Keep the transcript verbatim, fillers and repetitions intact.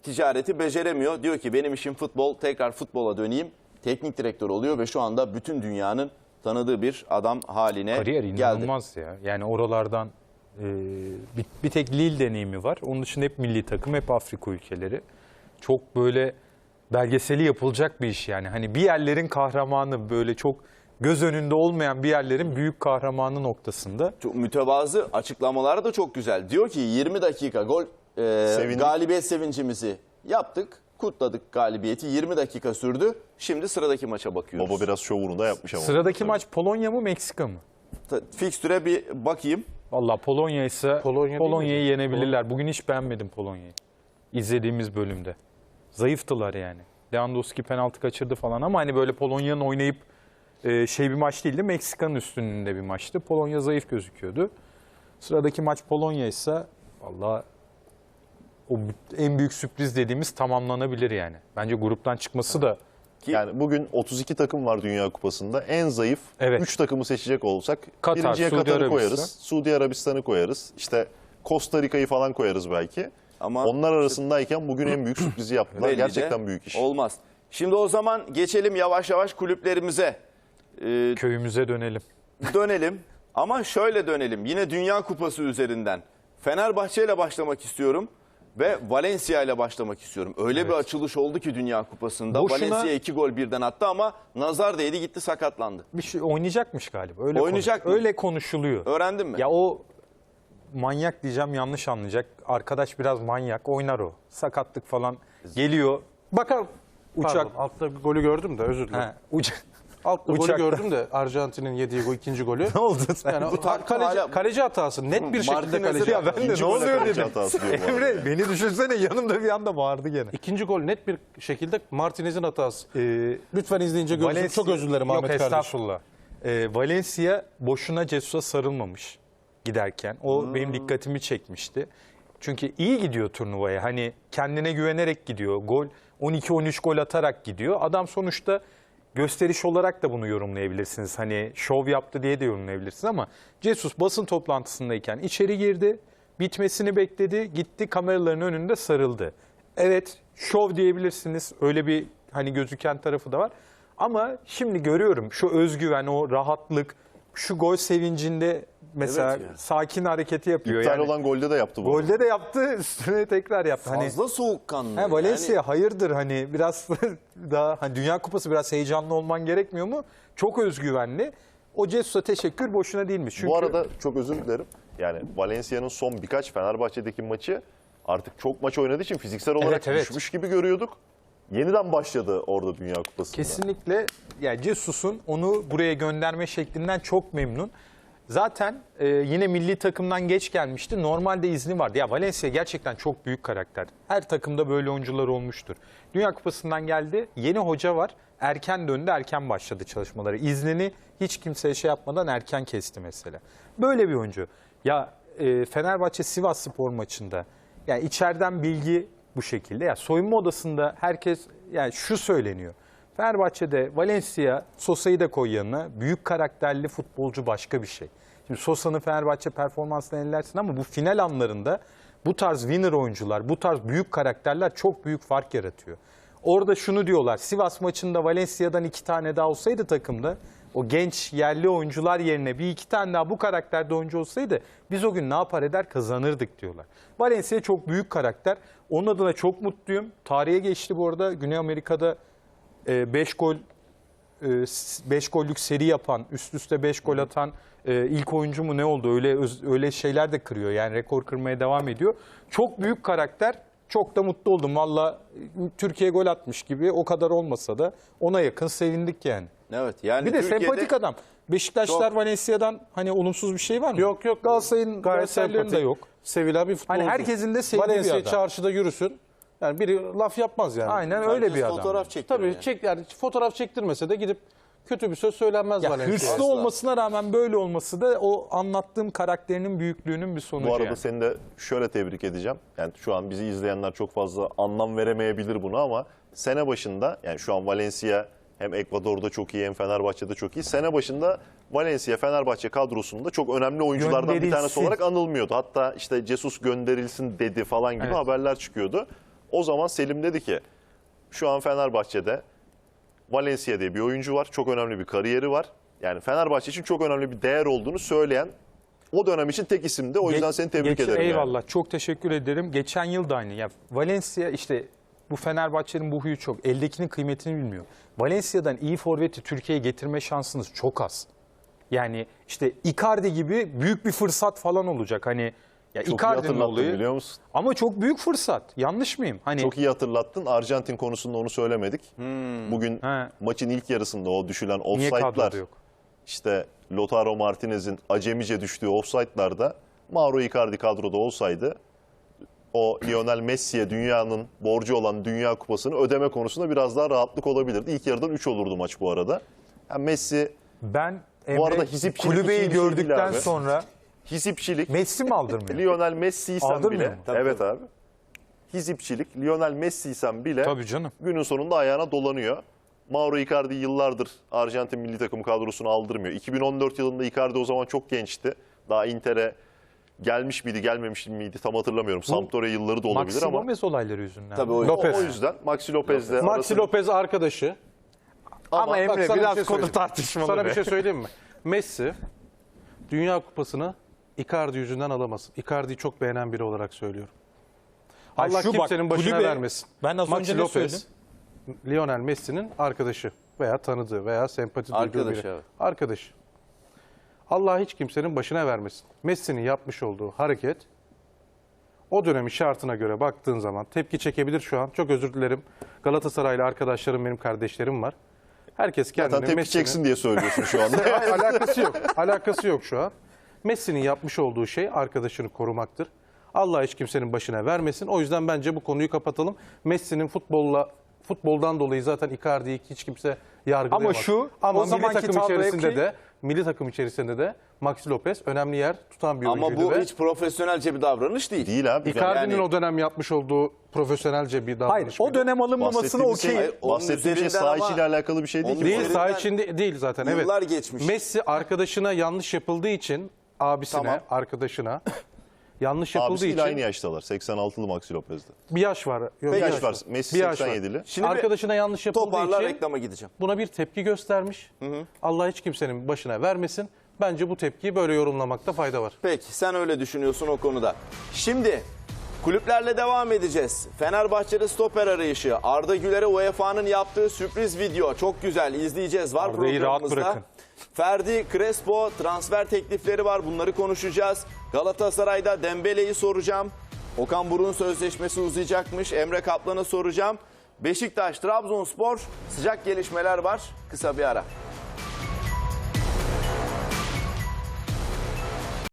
ticareti beceremiyor. Diyor ki benim işim futbol, tekrar futbola döneyim. Teknik direktör oluyor ve şu anda bütün dünyanın tanıdığı bir adam haline Kariyer geldi. inanılmaz ya. Yani oralardan e, bir, bir tek Lille deneyimi var. Onun dışında hep milli takım, hep Afrika ülkeleri. Çok böyle belgeseli yapılacak bir iş yani. Hani bir yerlerin kahramanı, böyle çok göz önünde olmayan bir yerlerin büyük kahramanı noktasında. Çok mütevazı, açıklamaları da çok güzel. Diyor ki yirmi dakika gol e, galibiyet sevincimizi yaptık. Kutladık galibiyeti. yirmi dakika sürdü. Şimdi sıradaki maça bakıyoruz. Baba biraz şovunu da yapmış ama. Sıradaki maç Polonya mı Meksika mı? Fikstüre bir bakayım. Vallahi Polonya ise Polonya Polonya'yı yenebilirler. Bugün hiç beğenmedim Polonya'yı. İzlediğimiz bölümde. Zayıftılar yani. Lewandowski penaltı kaçırdı falan ama hani böyle Polonya'nın oynayıp e, şey bir maç değildi. Meksika'nın üstünlüğünde bir maçtı. Polonya zayıf gözüküyordu. Sıradaki maç Polonya ise vallahi o en büyük sürpriz dediğimiz tamamlanabilir yani. Bence gruptan çıkması da Yani bugün otuz iki takım var Dünya Kupası'nda. En zayıf Evet. üç takımı seçecek olsak Katar, birinciye Suudi Katar'ı Arabistan. koyarız. Suudi Arabistan'ı koyarız. İşte Costa Rica'yı falan koyarız belki. Ama onlar arasındayken bugün en büyük sürprizi yaptılar. belli de Gerçekten büyük iş. Olmaz. Şimdi o zaman geçelim yavaş yavaş kulüplerimize. Ee, köyümüze dönelim. dönelim ama şöyle dönelim. Yine Dünya Kupası üzerinden. Fenerbahçe ile başlamak istiyorum ve Valencia ile başlamak istiyorum. Öyle Evet. bir açılış oldu ki Dünya Kupası'nda. Boşuna- Valencia iki gol birden attı ama nazar değdi, gitti, sakatlandı. Bir şey oynayacakmış galiba. Öyle Oynayacak konuş- mı? Öyle konuşuluyor. Öğrendin mi? Ya o manyak diyeceğim, yanlış anlayacak. Arkadaş biraz manyak, oynar o. Sakatlık falan geliyor. Bakalım. Uçak. Pardon, altta bir golü gördüm de özür dilerim. He, uçak. Altta golü uçakta. gördüm de Arjantin'in yediği gol, ikinci golü. Ne oldu sen? Yani Bu takla kaleci, hala- kaleci hatası. Net bir şekilde Martinez'e kaleci de- Ya ben de İkinci ne gole oluyor kaleci dedim. hatası diyor bu arada. Emre beni düşünsene, yanımda bir anda bağırdı gene. İkinci gol net bir şekilde Martinez'in hatası. Ee, Lütfen izleyince görsün. Valencia- Çok özür dilerim Yok, Ahmet kardeşim. estağfurullah. Ee, Valencia boşuna Jesus'a sarılmamış giderken. O Hmm. benim dikkatimi çekmişti. Çünkü iyi gidiyor turnuvaya. Hani kendine güvenerek gidiyor. Gol on iki on üç gol atarak gidiyor. Adam sonuçta gösteriş olarak da bunu yorumlayabilirsiniz. Hani şov yaptı diye de yorumlayabilirsiniz ama Jesus basın toplantısındayken içeri girdi. Bitmesini bekledi. Gitti kameraların önünde sarıldı. Evet, şov diyebilirsiniz. Öyle bir hani gözüken tarafı da var. Ama şimdi görüyorum şu özgüven, o rahatlık, şu gol sevincinde mesela Evet ya. sakin hareketi yapıyor. İptal yani olan golde de yaptı bu. golde de yaptı, üstüne tekrar yaptı. Hani Fazla soğukkanlı. He, Valencia Yani hayırdır, hani biraz daha hani Dünya Kupası, biraz heyecanlı olman gerekmiyor mu? Çok özgüvenli. O Jesus'a teşekkür boşuna değilmiş. Çünkü Bu arada çok özür dilerim. Yani Valencia'nın son birkaç Fenerbahçe'deki maçı artık çok maç oynadığı için fiziksel olarak Evet, evet. düşmüş gibi görüyorduk. Yeniden başladı orada Dünya Kupası'nda. kesinlikle yani Jesus'un onu buraya gönderme şeklinden çok memnun. Zaten e, yine milli takımdan geç gelmişti. Normalde izni vardı. Ya Valencia gerçekten çok büyük karakter. Her takımda böyle oyuncular olmuştur. Dünya Kupası'ndan geldi. Yeni hoca var. Erken döndü, erken başladı çalışmaları. İznini hiç kimseye şey yapmadan erken kesti mesela. Böyle bir oyuncu. Ya e, Fenerbahçe Sivasspor maçında yani içeriden bilgi bu şekilde. Ya soyunma odasında herkes yani şu söyleniyor. Fenerbahçe'de Valencia, Sosa'yı da koy yanına. Büyük karakterli futbolcu başka bir şey. Şimdi Sosa'nın Fenerbahçe performansını ellersin ama bu final anlarında bu tarz winner oyuncular, bu tarz büyük karakterler çok büyük fark yaratıyor. Orada şunu diyorlar, Sivas maçında Valencia'dan iki tane daha olsaydı takımda, o genç yerli oyuncular yerine bir iki tane daha bu karakterde oyuncu olsaydı biz o gün ne yapar eder kazanırdık diyorlar. Valencia çok büyük karakter. Onun adına çok mutluyum. Tarihe geçti bu arada. Güney Amerika'da beş gol beş gollük seri yapan, üst üste beş gol atan ilk oyuncu mu ne oldu? Öyle öyle şeyler de kırıyor. Yani rekor kırmaya devam ediyor. Çok büyük karakter. Çok da mutlu oldum. Valla Türkiye gol atmış gibi, o kadar olmasa da ona yakın sevindik yani. evet yani Bir de Türkiye'de sempatik adam. Beşiktaşlar Çok- Valencia'dan hani olumsuz bir şey var mı? Yok yok. Galatasaray'ın Gayet Galatasaray'ın da sempatik. yok. Sevilen bir futbolcu. Hani herkesin de sevdiği bir Valencia adam. çarşıda yürüsün. Yani biri laf yapmaz yani. Aynen öyle herkes bir adam. fotoğraf çekiyor. Tabii yani. çek yani fotoğraf çektirmese de gidip kötü bir söz söylenmez Ya Valencia. hırslı Asla. olmasına rağmen böyle olması da o anlattığım karakterinin büyüklüğünün bir sonucu Bu arada yani. seni de şöyle tebrik edeceğim. Yani şu an bizi izleyenler çok fazla anlam veremeyebilir buna ama sene başında, yani şu an Valencia hem Ekvador'da çok iyi hem Fenerbahçe'de çok iyi. Sene başında Valencia Fenerbahçe kadrosunda çok önemli oyunculardan bir tanesi Gönderilsin. olarak anılmıyordu. Hatta işte Jesus gönderilsin dedi falan gibi Evet. haberler çıkıyordu. O zaman Selim dedi ki şu an Fenerbahçe'de Valencia diye bir oyuncu var. Çok önemli bir kariyeri var. Yani Fenerbahçe için çok önemli bir değer olduğunu söyleyen o dönem için tek isimdi. O yüzden Geç- seni tebrik geç- ederim. yani. Eyvallah. Çok teşekkür ederim. Geçen yıl da aynı. Ya Valencia işte bu Fenerbahçe'nin bu huyu çok. Eldekinin kıymetini bilmiyor. Valencia'dan iyi forveti Türkiye'ye getirme şansınız çok az. Yani işte Icardi gibi büyük bir fırsat falan olacak. Hani ya Çok iyi Icardi'nin hatırlattın olayı. biliyor musun? Ama çok büyük fırsat. Yanlış mıyım? Hani Çok iyi hatırlattın. Arjantin konusunda onu söylemedik. Bugün He. maçın ilk yarısında o düşülen niye offside'lar, kadroda yok? işte Lautaro Martinez'in acemice düştüğü offside'larda Mauro Icardi kadroda olsaydı o Lionel Messi'ye dünyanın borcu olan Dünya Kupası'nı ödeme konusunda biraz daha rahatlık olabilirdi. İlk yarıdan üç olurdu maç bu arada. Yani Messi Ben Bu arada Emre, hizipçilik kulübeyi iyi bir şey değil gördükten abi. sonra hizipçilik, Messi mi aldırmıyor? Lionel Messi'ysen Aldırmıyor bile, mu? Tabii, evet tabii. abi, hizipçilik, Lionel Messi'sen bile Tabii canım. günün sonunda ayağına dolanıyor. Mauro Icardi yıllardır Arjantin milli takım kadrosunu aldırmıyor. iki bin on dört yılında Icardi o zaman çok gençti. Daha Inter'e gelmiş miydi, gelmemiş miydi tam hatırlamıyorum. Sampdoria yılları da olabilir Maxi ama Gomez olayları yüzünden. Tabii mi? o- o, Lopez. o yüzden Maxi Lopez'le Maxi arasında- Lopez arkadaşı. Ama Bak Emre sana bir biraz şey konu söyleyeyim. tartışmalı Sana be. bir şey söyleyeyim mi? Messi Dünya Kupası'nı Icardi yüzünden alamasın. Icardi'yi çok beğenen biri olarak söylüyorum. Hayır, Allah şu bak, kimsenin başına kulübe- vermesin. Ben az Maxi önce ne Lopez, Lionel Messi'nin arkadaşı veya tanıdığı veya sempati duyduğu Arkadaşı, biri. evet. Arkadaşı. Allah hiç kimsenin başına vermesin. Messi'nin yapmış olduğu hareket o dönemin şartına göre baktığın zaman tepki çekebilir şu an. Çok özür dilerim. Galatasaraylı arkadaşlarım, benim kardeşlerim var. Herkes kendini Zaten tepki Messi'nin... çeksin diye söylüyorsun şu anda. Hayır, alakası yok. Alakası yok şu an. Messi'nin yapmış olduğu şey arkadaşını korumaktır. Allah hiç kimsenin başına vermesin. O yüzden bence bu konuyu kapatalım. Messi'nin futbolla futboldan dolayı zaten Icardi'yi hiç kimse yargılayamaz. Ama şu, Ama o milli zamanki takım tabloya içerisinde ki- de milli takım içerisinde de Maxi Lopez önemli yer tutan bir Ama oyuncuydu bu ve hiç profesyonelce bir davranış değil. Değil abi. Icardi'nin Yani- o dönem yapmış olduğu profesyonelce bir davranış. Hayır, o mıydı? dönem alınmamasına Bahsettiğimiz şey, okey. Hayır, onun bahsettiğim şey üzerinden saha ama- içiyle alakalı bir şey değil Onun ki. bu Değil, arada. saha üzerinden içinde değil zaten. Evet. yıllar geçmiş. Messi arkadaşına yanlış yapıldığı için abisine, Tamam. arkadaşına yanlış yapıldığı Abisiyle için aynı yaştalar. seksen altılı Maxi Lopez'de. bir yaş var. Yok, Bir bir yaş var. Messi Bir yaş var. seksen yedili. Şimdi bir Arkadaşına yanlış yapıldığı Toparlar için reklama gideceğim. buna bir tepki göstermiş. Allah hiç kimsenin başına vermesin. Bence bu tepkiyi böyle yorumlamakta fayda var. Peki sen öyle düşünüyorsun o konuda. Şimdi kulüplerle devam edeceğiz. Fenerbahçe'de stoper arayışı. Arda Güler'e U E F A'nın yaptığı sürpriz video. Çok güzel izleyeceğiz. Var Arda'yı rahat programımızda. bırakın. Ferdi Crespo transfer teklifleri var. Bunları konuşacağız. Galatasaray'da Dembele'yi soracağım. Okan Buruk'un sözleşmesi uzayacakmış. Emre Kaplan'ı soracağım. Beşiktaş, Trabzonspor sıcak gelişmeler var. Kısa bir ara.